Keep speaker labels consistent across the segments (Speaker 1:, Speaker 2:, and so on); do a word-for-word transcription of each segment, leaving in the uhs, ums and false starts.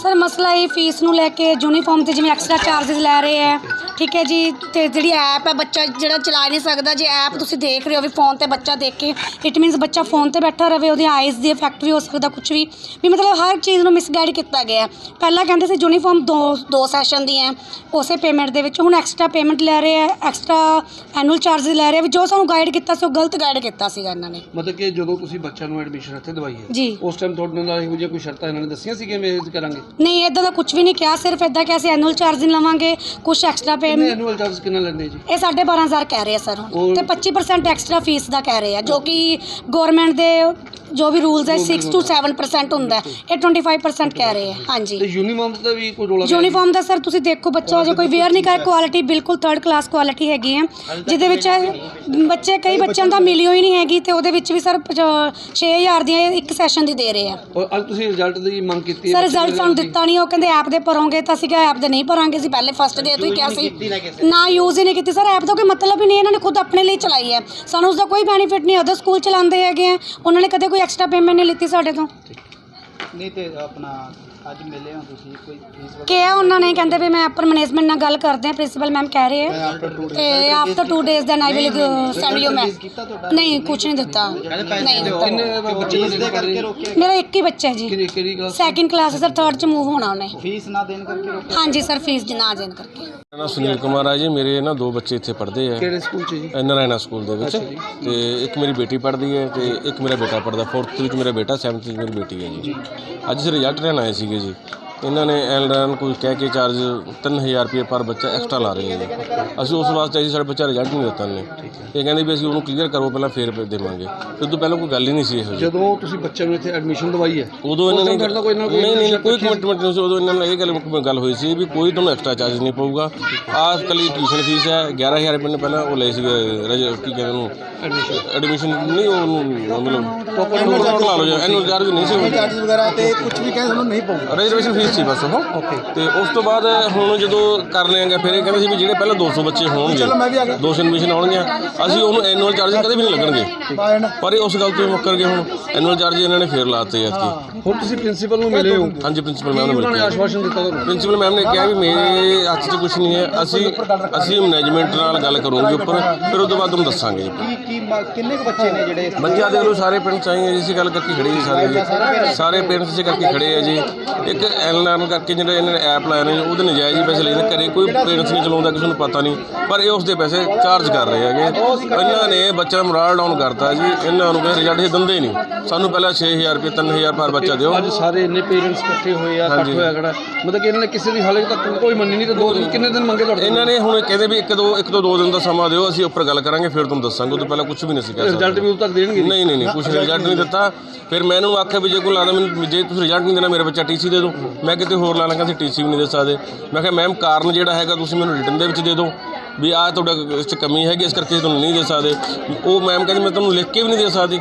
Speaker 1: Sir मसला ये fees नूं लैके यूनीफॉर्म ते जिवें एक्स्ट्रा चार्जिस लै रहे हैं, ठीक है जी। ते जिहड़ी ऐप है बच्चा जिहड़ा चला नहीं सकदा, जे ऐप तुसीं देख रहे हो भी फोन ते बच्चा देख के, इट मीनस बच्चा फोन ते बैठा रहे, ਉਹਦੀ आइज़ दी इफैक्ट भी हो सकदा, कुछ भी भी मतलब हर चीज़ नूं मिसगाइड किया गया। पहला कहते सी यूनीफॉर्म दो दो सैशन दी है उसे पेमेंट दे विच, हुण एक्स्ट्रा पेमेंट लै रहे हैं, एक्स्ट्रा एनुअल चार्जिस लै रहे हैं। जो सानूं गाइड किया सी गलत गाइड किया सीगा इन्हां ने।
Speaker 2: मतलब कि ਜਦੋਂ ਤੁਸੀਂ ਬੱਚਿਆਂ ਨੂੰ ਐਡਮਿਸ਼ਨ ਇੱਥੇ ਦਵਾਈ ਹੈ
Speaker 1: जी
Speaker 2: ਉਸ ਟਾਈਮ ਤੁਹਾਡੇ ਨਾਲ ਇਹੋ ਜਿਹੀਆਂ ਕੋਈ ਸ਼ਰਤਾਂ ਇਹਨਾਂ ਨੇ ਦੱਸੀਆਂ ਸੀ ਕਿ ਮੈਂ ਇਹ ਕਰਾਂਗੇ?
Speaker 1: नहीं इदां दा कुछ भी नहीं कहा, सिर्फ इदां कि असीं एनुअल चार्जिस लवांगे, कुछ एक्स्ट्रा
Speaker 2: ਕਿੰਨੇ
Speaker 1: पेमेंट
Speaker 2: ਐਨੂਅਲ ਚਾਰजेस ਕਿੰਨਾ ਲੈਂਦੇ ਜੀ?
Speaker 1: ਇਹ ਸਾਢੇ ਬਾਰਾਂ ਹਜ਼ਾਰ ਕਹਿ ਰਹੇ ਆ ਸਰ ਹੁਣ,
Speaker 2: ਉਹ-
Speaker 1: ਤੇ ਪੱਚੀ ਪਰਸੈਂਟ ਐਕਸਟਰਾ ਫੀਸ ਦਾ ਕਹਿ ਰਹੇ ਆ, ਜੋ ਕਿ ਗਵਰਨਮੈਂਟ ਦੇ ਜੋ ਵੀ ਰੂਲਸ ਹੈ ਸਿਕਸ ਟੂ ਸੈਵਨ ਪਰਸੈਂਟ ਹੁੰਦਾ ਹੈ, ਇਹ ਟਵੈਂਟੀ ਫਾਈਵ ਪਰਸੈਂਟ ਕਹਿ ਰਹੇ ਆ। ਹਾਂਜੀ
Speaker 2: ਤੇ ਯੂਨੀਫਾਰਮ ਦਾ ਵੀ ਕੋਈ ਰੋਲਾ ਪਿਆ?
Speaker 1: ਯੂਨੀਫਾਰਮ ਦਾ ਸਰ ਤੁਸੀਂ ਦੇਖੋ, ਬੱਚਾ ਜੇ ਕੋਈ ਵੇਅਰ ਨਹੀਂ ਕਰ, ਕੁਆਲਿਟੀ ਬਿਲਕੁਲ ਥਰਡ ਕਲਾਸ ਕੁਆਲਿਟੀ ਹੈਗੀ ਹੈ, ਜਿਹਦੇ ਵਿੱਚ ਬੱਚੇ ਕਈ ਬੱਚਿਆਂ ਦਾ ਮਿਲੀ ਹੋਈ ਨਹੀਂ ਹੈਗੀ, ਤੇ ਉਹਦੇ ਵਿੱਚ ਵੀ ਸਰ ਛੇ ਹਜ਼ਾਰ ਦੀਆਂ ਇੱਕ ਸੈਸ਼ਨ ਦੀ ਦੇ ਰਹੇ ਆ।
Speaker 2: ਔਰ ਅੱਜ ਤੁਸੀਂ ਰਿਜ਼ਲਟ ਦੀ ਮੰਗ ਕੀਤੀ
Speaker 1: ਸਰ ਰਿਜ਼ਲਟ ਸਾਨੂੰ ਦਿੱਤਾ ਨਹੀਂ, ਉਹ ਕਹਿੰਦੇ ਐਪ ਦੇ ਭਰੋਗੇ, ਤਾਂ ਅਸੀਂ ਕਿਹਾ ਐਪ ਦੇ ਨਹੀਂ ਭਰਾਂਗੇ, ਅਸੀਂ ਪਹਿਲੇ ਫਸਟ ਡੇ ਤੋਂ ਹੀ ਕਿਹਾ ਸੀ ਨਾ, ਯੂਜ਼ ਹੀ ਨਹੀਂ ਕੀਤੀ ਸਰ। ਐਪ ਦਾ ਕੋਈ ਮਤਲਬ ਹੀ ਨਹੀਂ, ਇਹਨਾਂ ਨੇ ਖੁਦ ਆਪਣੇ ਲਈ ਚਲਾਈ ਹੈ, ਸਾਨੂੰ ਉਸਦਾ ਕੋਈ ਬੈਨੀਫਿਟ ਨਹੀਂ। ਅਦਰ ਸਕੂਲ ਚਲਾਉਂਦੇ ਹੈਗੇ ਆ, ਉਹਨਾਂ ਨੇ ਕਦੇ ਕੋਈ ਐਕਸਟਰਾ ਪੇਮੈਂਟ ਨਹੀਂ ਲਿੱਤੀ ਸਾਡੇ ਤੋਂ।
Speaker 3: ਨਹੀਂ ਤੇ ਆਪਣਾ ਅੱਜ ਮਿਲੇ ਹੋ ਤੁਸੀਂ ਕੋਈ ਫੀਸ
Speaker 1: ਕਿਹਾ ਉਹਨਾਂ ਨੇ, ਕਹਿੰਦੇ ਵੀ ਮੈਂ ਅਪਰ ਮੈਨੇਜਮੈਂਟ ਨਾਲ ਗੱਲ ਕਰਦੇ ਹਾਂ, ਪ੍ਰਿੰਸੀਪਲ ਮੈਮ ਕਹਿ ਰਹੇ ਹੈ, ਤੇ after two days then I will send you ਮੈਂ। ਨਹੀਂ ਕੁਛ ਨਹੀਂ ਦਿੱਤਾ, ਨਹੀਂ ਦਿੱਤਾ।
Speaker 2: ਕਿੰਨੇ ਬੱਚੇ
Speaker 3: ਫੀਸ ਦੇ ਕਰਕੇ ਰੋਕਿਆ?
Speaker 1: ਮੇਰਾ ਇੱਕ ਹੀ ਬੱਚਾ ਹੈ ਜੀ,
Speaker 2: ਕਿਹੜੀ ਕਿਹੜੀ class?
Speaker 1: Second class sir, third ਚ ਮੂਵ ਹੋਣਾ ਉਹਨੇ।
Speaker 3: ਫੀਸ ਨਾ ਦੇਣ ਕਰਕੇ ਰੋਕਿਆ?
Speaker 1: ਹਾਂਜੀ ਸਰ, ਫੀਸ ਨਾ ਦੇਣ ਕਰਕੇ।
Speaker 4: ਮੇਰਾ ਨਾਮ ਸੁਨੀਲ ਕੁਮਾਰ ਹੈ ਜੀ। ਮੇਰੇ ਨਾ ਦੋ ਬੱਚੇ ਇੱਥੇ ਪੜ੍ਹਦੇ ਆ,
Speaker 2: ਕਿਹੜੇ ਸਕੂਲ 'ਚ ਜੀ?
Speaker 4: ਨਾਰਾਇਣਾ ਸਕੂਲ ਦੇ ਵਿੱਚ, ਤੇ ਇੱਕ ਮੇਰੀ ਬੇਟੀ ਪੜ੍ਹਦੀ ਹੈ ਤੇ ਇੱਕ ਮੇਰਾ ਬੇਟਾ ਪੜ੍ਹਦਾ ਫੋਰਥ ਵਿੱਚ, ਮੇਰਾ ਬੇਟਾ ਸੈਵਨਥ ਵਿੱਚ ਮੇਰੀ ਬੇਟੀ ਹੈ ਜੀ। ਅੱਜ ਅਸੀਂ ਰਿਜ਼ਲਟ ਲੈਣ ਆਏ ਸੀਗੇ ਜੀ, ਇਹਨਾਂ ਨੇ ਐਲਰਨ ਕੋਈ ਕਹਿ ਕੇ ਚਾਰਜ ਤਿੰਨ ਹਜ਼ਾਰ ਰੁਪਏ ਪਰ ਬੱਚਾ ਐਕਸਟਰਾ ਲਾ ਰਹੇ ਜੀ। ਅਸੀਂ ਉਸ ਵਾਸਤੇ ਅਸੀਂ ਸਾਡਾ ਬੱਚਾ ਰਿਜ਼ਲਟ ਨਹੀਂ ਦਿੱਤਾ ਨੇ, ਇਹ ਕਹਿੰਦੇ ਵੀ ਅਸੀਂ ਉਹਨੂੰ ਕਲੀਅਰ ਕਰੋ ਪਹਿਲਾਂ ਫੇਰ ਦੇਵਾਂਗੇ। ਫਿਰ ਤੋਂ ਪਹਿਲਾਂ ਕੋਈ ਗੱਲ ਹੀ ਨਹੀਂ ਸੀ ਇਹੋ ਜਿਹੀ।
Speaker 2: ਜਦੋਂ ਤੁਸੀਂ ਬੱਚਿਆਂ ਨੂੰ ਇੱਥੇ ਐਡਮਿਸ਼ਨ ਦਵਾਈ ਹੈ
Speaker 4: ਉਦੋਂ ਇਹਨਾਂ ਨੇ
Speaker 2: ਤੁਹਾਡੇ ਨਾਲ ਕੋਈ ਨਾ ਕੋਈ
Speaker 4: ਨਹੀਂ ਨਹੀਂ ਕੋਈ ਕਮਿਟਮੈਂਟ ਨਹੀਂ ਸੀ ਉਦੋਂ। ਇਹਨਾਂ ਨਾਲ ਇਹ ਗੱਲ ਗੱਲ ਹੋਈ ਸੀ ਵੀ ਕੋਈ ਤੁਹਾਨੂੰ ਐਕਸਟਰਾ ਚਾਰਜ ਨਹੀਂ ਪਊਗਾ, ਆਹ ਇਕੱਲੀ ਟਿਊਸ਼ਨ ਫੀਸ ਹੈ ਗਿਆਰਾਂ ਹਜ਼ਾਰ ਰੁਪਏ ਨੇ ਪਹਿਲਾਂ ਉਹ ਲਏ ਸੀਗੇ, ਕੀ ਕਹਿੰਦੇ ਉਹਨੂੰ ਐਡਮਿਸ਼ਨ ਨਹੀਂ, ਉਹਨੂੰ ਮਤਲਬ ਟੋਕਨ ਲਾ ਲਓ ਜੀ, ਐਨੂਅਲ ਚਾਰਜ ਨਹੀਂ ਸੀ,
Speaker 3: ਚਾਰजेस ਵਗੈਰਾ ਤੇ ਕੁਝ ਵੀ ਕਹਿੰਦੇ ਸਾਨੂੰ ਨਹੀਂ ਪਊਗਾ,
Speaker 4: ਰਿਜ਼ਰਵੇਸ਼ਨ ਫੀਸ ਸੀ ਬਸ ਉਹ। ਤੇ ਉਸ ਤੋਂ ਬਾਅਦ ਹੁਣ ਜਦੋਂ ਕਰ ਲਿਆਂਗੇ ਫਿਰ ਇਹ ਕਹਿੰਦੇ ਸੀ ਵੀ ਜਿਹੜੇ ਪਹਿਲਾਂ ਦੋ ਸੌ ਬੱਚੇ ਹੋਣਗੇ, ਦੋ ਸੌ ਐਡਮਿਸ਼ਨ ਆਉਣਗੀਆਂ, ਅਸੀਂ ਉਹਨੂੰ ਐਨੂਅਲ ਚਾਰਜ ਕਦੇ ਵੀ ਨਹੀਂ ਲੱਗਣਗੇ। ਪਰ ਇਹ ਉਸ ਗੱਲ ਤੋਂ ਮੁੱਕਰ ਗਏ, ਹੁਣ ਐਨੂਅਲ ਚਾਰਜ ਇਹਨਾਂ ਨੇ ਫੇਰ ਲਾਤੇ ਐਤਕੀ।
Speaker 2: ਹੁਣ ਤੁਸੀਂ ਪ੍ਰਿੰਸੀਪਲ ਨੂੰ ਮਿਲੇ ਹੋ?
Speaker 4: ਹਾਂਜੀ ਪ੍ਰਿੰਸੀਪਲ ਮੈਮ ਨੂੰ
Speaker 2: ਉਹਨਾਂ ਨੇ
Speaker 4: ਮਿਲ ਕੇ
Speaker 2: ਆਸ਼ਵਾਸਨ ਦਿੱਤਾ ਤੁਹਾਨੂੰ?
Speaker 4: ਪ੍ਰਿੰਸੀਪਲ ਮੈਮ ਨੇ ਕਿਹਾ ਵੀ ਮੇਰੇ ਹੱਥ 'ਚ ਕੁਛ ਨਹੀਂ ਹੈ, ਅਸੀਂ ਅਸੀਂ ਮੈਨੇਜਮੈਂਟ ਨਾਲ ਗੱਲ ਕਰੂੰਗੇ ਉੱਪਰ, ਫਿਰ ਉਸ ਤੋਂ ਬਾਅਦ ਤੁਹਾਨੂੰ ਦੱਸਾਂਗੇ।
Speaker 3: ਕੀ ਕੀ ਕਿੰਨੇ ਕੁ ਬੱਚੇ ਨੇ ਜਿਹੜੇ?
Speaker 4: ਬੱਚਿਆਂ ਦੇਖ ਲਓ ਸਾਰੇ ਪਿੰਡ ਚਾਹੀਏ ਜੀ, ਇਸੇ ਗੱਲ ਕਰਕੇ ਖੜੇ ਜੀ ਸਾਰੇ ਜੀ, ਸਾਰੇ ਪੇਰੈਂਟਸ ਇਸੇ ਕਰਕੇ ਖੜੇ ਆ ਜੀ। ਇੱਕ ਐਲਰਨ ਕਰਕੇ ਜਿਹੜਾ ਇਹਨਾਂ ਨੇ ਐਪ ਲਾਇਆ ਨੇ ਉਹਦੇ ਨਜਾਇਜ਼ ਹੀ ਪੈਸੇ ਲੈਂਦੇ, ਘਰੇ ਕੋਈ ਪੇਰੈਂਟਸ ਨਹੀਂ ਚਲਾਉਂਦਾ, ਕਿਸੇ ਨੂੰ ਪਤਾ ਨਹੀਂ, ਪਰ ਇਹ ਉਸਦੇ ਪੈਸੇ ਚਾਰਜ ਕਰ ਰਹੇ ਹੈਗੇ। ਇਹਨਾਂ ਨੇ ਬੱਚਾ ਮੋਰਲ ਡਾਊਨ ਕਰਤਾ ਜੀ, ਇਹਨਾਂ ਨੂੰ ਕਹਿੰਦੇ ਰਿਜ਼ਲਟ ਇਹ ਦਿੰਦੇ ਨਹੀਂ, ਸਾਨੂੰ ਪਹਿਲਾਂ ਛੇ ਹਜ਼ਾਰ ਰੁਪਏ ਤਿੰਨ ਹਜ਼ਾਰ ਪਰ ਬੱਚਾ ਦਿਓ।
Speaker 2: ਅੱਜ ਸਾਰੇ ਇੰਨੇ ਪੇਰੈਂਟਸ ਇਕੱਠੇ ਹੋਏ ਆ, ਇਕੱਠ ਹੋਇਆ ਖੜਾ, ਮਤਲਬ ਕਿ ਇਹਨਾਂ ਨੇ ਕਿਸੇ ਦੀ ਹਾਲੇ ਤੱਕ ਕੋਈ ਮੰਨੀ ਨਹੀਂ, ਤੇ ਦੋ ਦਿਨ ਕਿੰਨੇ ਦਿਨ ਮੰਗੇ ਤੁਹਾਡੇ?
Speaker 4: ਇਹਨਾਂ ਨੇ ਹੁਣ ਕਹਿੰਦੇ ਵੀ ਇੱਕ ਦੋ ਇੱਕ ਤੋਂ ਦੋ ਦਿਨ ਦਾ ਸਮਾਂ ਦਿਓ, ਅਸੀਂ ਉੱਪਰ ਗੱਲ ਕਰਾਂਗੇ ਫਿਰ ਤੁਹਾਨੂੰ ਦੱਸਾਂਗੇ। ਉਹ ਤੋਂ ਪਹਿਲਾਂ ਕੁਝ ਵੀ ਨਹੀਂ ਸੀ ਕਹਿ ਸਕਦੇ।
Speaker 2: ਰਿਜ਼ਲਟ ਵੀ ਉਦੋਂ ਤੱਕ ਦੇਣਗੇ?
Speaker 4: ਨਹੀਂ ਨਹੀਂ ਨਹੀਂ ਕੁਛ ਰਿਜ਼ਲਟ ਨਹੀਂ ਦਿੱਤਾ। ਫਿਰ ਮੈਂ ਇਹਨੂੰ ਆਖਿਆ ਵੀ ਜੇ ਕੋਈ ਲੱਗਦਾ ਮੈਨੂੰ ਜੇ ਤੁਸੀਂ ਰਿਜ਼ਲਟ ਨਹੀਂ ਦੇਣਾ ਮੇਰਾ ਬੱਚਾ ਟੀ ਸੀ ਦੇ ਦਿਓ। ਮੈਂ ਕਿਤੇ ਹੋਰ ਲਾ ਲਾਂਗਾ, ਅਸੀਂ ਟੀ ਸੀ ਵੀ ਨਹੀਂ ਦੇ ਸਕਦੇ। ਮੈਂ ਕਿਹਾ ਮੈਮ ਕਾਰਨ ਜਿਹੜਾ ਹੈਗਾ ਤੁਸੀਂ ਮੈਨੂੰ ਰਿਟਨ ਦੇ ਵਿੱਚ ਦੇ ਦਿਓ ਵੀ ਆਹ ਤੁਹਾਡਾ ਇਸ 'ਚ ਕਮੀ ਹੈਗੀ, ਇਸ ਕਰਕੇ ਤੁਹਾਨੂੰ ਨਹੀਂ ਦੇ ਸਕਦੇ। ਉਹ ਮੈਮ ਕਹਿੰਦੀ ਮੈਂ ਤੁਹਾਨੂੰ ਲਿਖ ਕੇ ਵੀ ਨਹੀਂ ਦੇ ਸਕਦੀ।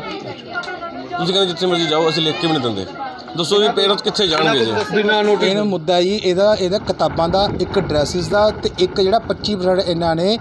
Speaker 4: ਤੁਸੀਂ ਕਹਿੰਦੇ ਜਿੱਥੇ ਮਰਜ਼ੀ ਜਾਓ, ਅਸੀਂ ਲਿਖ ਕੇ ਵੀ ਨਹੀਂ ਦਿੰਦੇ। ਦੱਸੋ ਵੀ ਪੇਰੈਂਟਸ ਕਿੱਥੇ ਜਾਣਗੇ ਜੀ ਬਿਨਾਂ ਨੋਟਿਸ?
Speaker 3: ਇਹਨਾਂ ਮੁੱਦਾ ਜੀ ਇਹਦਾ ਇਹਦਾ ਕਿਤਾਬਾਂ ਦਾ, ਇੱਕ ਡਰੈਸਿਸ ਦਾ, ਤੇ ਇੱਕ ਜਿਹੜਾ ਪੱਚੀ ਪਰਸੈਂਟ ਇਹਨਾਂ ਨੇ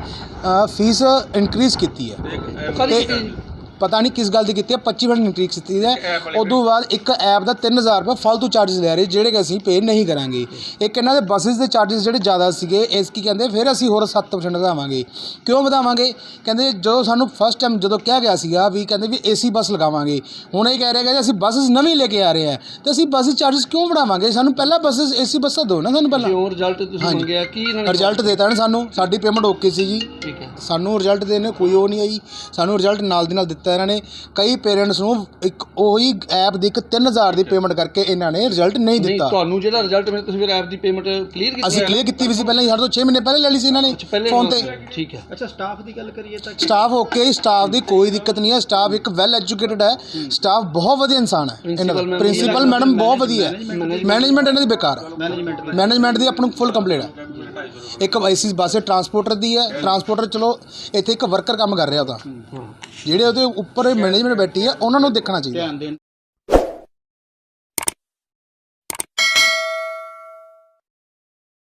Speaker 3: ਫੀਸ ਇਨਕਰੀਜ਼ ਕੀਤੀ ਹੈ। ਤੇ ਪਤਾ ਨਹੀਂ ਕਿਸ ਗੱਲ ਦੀ ਕੀਤੀ ਹੈ, ਪੱਚੀ ਪਰਸੈਂਟ ਇਨਕਰੀਜ਼ ਕੀਤੀ ਹੈ। ਉਦੋਂ ਬਾਅਦ ਇੱਕ ਐਪ ਦਾ ਤਿੰਨ ਹਜ਼ਾਰ ਰੁਪਏ ਫालतू ਚਾਰजेस ਲੈ ਰਹੇ, ਜਿਹੜੇ ਕਿ ਅਸੀਂ ਪੇ ਨਹੀਂ ਕਰਾਂਗੇ। ਇੱਕ ਇਹਨਾਂ ਦੇ ਬੱਸਿਸ ਦੇ ਚਾਰजेस ਜਿਹੜੇ ਜ਼ਿਆਦਾ ਸੀਗੇ, ਇਸ ਕੀ ਕਹਿੰਦੇ ਫਿਰ ਅਸੀਂ ਹੋਰ ਸੱਤ ਪਰਸੈਂਟ ਵਧਾਵਾਂਗੇ। ਕਿਉਂ ਵਧਾਵਾਂਗੇ? ਕਹਿੰਦੇ ਜਦੋਂ ਸਾਨੂੰ ਫਸਟ ਟਾਈਮ ਜਦੋਂ ਕਿਹਾ ਗਿਆ ਸੀਗਾ ਵੀ ਕਹਿੰਦੇ ਵੀ ਏ ਸੀ ਬੱਸ ਲਗਾਵਾਂਗੇ, ਹੁਣ ਇਹ ਕਹਿ ਰਹੇ ਕਿ ਅਸੀਂ ਬੱਸਿਸ ਨਵੀਂ ਲੈ ਕੇ ਆ ਰਹੇ ਹਾਂ, ਤੇ ਅਸੀਂ ਬੱਸਿਸ ਚਾਰजेस ਕਿਉਂ ਵਧਾਵਾਂਗੇ? ਸਾਨੂੰ ਪਹਿਲਾਂ ਬੱਸਿਸ ਏ ਸੀ ਬੱਸਾਂ ਦਿਓ ਨਾ ਸਾਨੂੰ ਪਹਿਲਾਂ।
Speaker 2: ਜੋ ਰਿਜ਼ਲਟ ਤੁਸੀਂ ਮੰਗਿਆ ਕੀ ਇਹਨਾਂ ਨੇ
Speaker 3: ਰਿਜ਼ਲਟ ਦੇਤਾ ਨਾ ਸਾਨੂੰ, ਸਾਡੀ ਪੇਮੈਂਟ ਓਕੇ ਸੀ ਜੀ,
Speaker 2: ਠੀਕ ਹੈ।
Speaker 3: ਸਾਨੂੰ ਰਿਜ਼ਲਟ ਦੇਣੇ ਕੋਈ ਉਹ ਨਹੀਂ ਆਈ, ਸਾਨੂੰ ਰਿਜ਼ਲਟ ਨਾਲ ਦੀ ਨਾਲ ਦਿੱਤਾ ਇਹਨਾਂ ਨੇ। ਕਈ ਪੇਰੈਂਟਸ ਨੂੰ ਇੱਕ ਉਹੀ ਐਪ ਦੀ ਇੱਕ ਤਿੰਨ ਹਜ਼ਾਰ ਦੀ ਪੇਮੈਂਟ ਕਰਕੇ ਇਹਨਾਂ ਨੇ ਰਿਜ਼ਲਟ ਨਹੀਂ ਦਿੱਤਾ।
Speaker 2: ਤੁਹਾਨੂੰ ਜਿਹੜਾ ਰਿਜ਼ਲਟ ਮਿਲਿਆ ਤੁਸੀਂ ਫਿਰ ਐਪ ਦੀ ਪੇਮੈਂਟ ਕਲੀਅਰ ਕੀਤੀ?
Speaker 3: ਅਸੀਂ ਕਲੀਅਰ ਕੀਤੀ ਵੀ ਸੀ ਪਹਿਲਾਂ ਹੀ, ਸਾਡੇ ਤੋਂ ਛੇ ਮਹੀਨੇ ਪਹਿਲੇ ਲੈ ਲਈ ਸੀ ਇਹਨਾਂ ਨੇ ਫੋਨ ਤੇ।
Speaker 2: ਠੀਕ ਹੈ।
Speaker 3: ਅੱਛਾ ਸਟਾਫ ਦੀ ਗੱਲ ਕਰੀਏ ਤਾਂ ਸਟਾਫ ਓਕੇ, ਸਟਾਫ ਦੀ ਕੋਈ ਦਿੱਕਤ ਨਹੀਂ ਹੈ। ਸਟਾਫ ਇੱਕ ਵੈਲ ਐਜੂਕੇਟਡ ਹੈ, ਸਟਾਫ ਬਹੁਤ ਵਧੀਆ ਇਨਸਾਨ ਹੈ ਇਹਨਾਂ ਦਾ। ਪ੍ਰਿੰਸੀਪਲ ਮੈਡਮ ਬਹੁਤ ਵਧੀਆ ਹੈ, ਮੈਨੇਜਮੈਂਟ ਇਹਨਾਂ ਦੀ ਬੇਕਾਰ ਹੈ, ਮੈਨੇਜਮੈਂਟ ਦੀ ਆਪਣੀ ਫੁੱਲ ਕੰਪਲੀਟ ਹੈ। ਇੱਕ ਐਸੀ ਬੱਸ ਟਰਾਂਸਪੋਰਟਰ ਦੀ ਹੈ, ਟਰਾਂਸਪੋਰਟਰ ਚਲੋ ਇੱਥੇ ਇੱਕ ਵਰਕਰ ਕੰਮ ਕਰ ਰਿਹਾ, ਉਹਦਾ ਜਿਹੜੇ ਉਹਦੇ ਉੱਪਰ ਮੈਨੇਜਮੈਂਟ ਬੈਠੀ ਹੈ ਉਹਨਾਂ ਨੂੰ ਦੇਖਣਾ ਚਾਹੀਦਾ।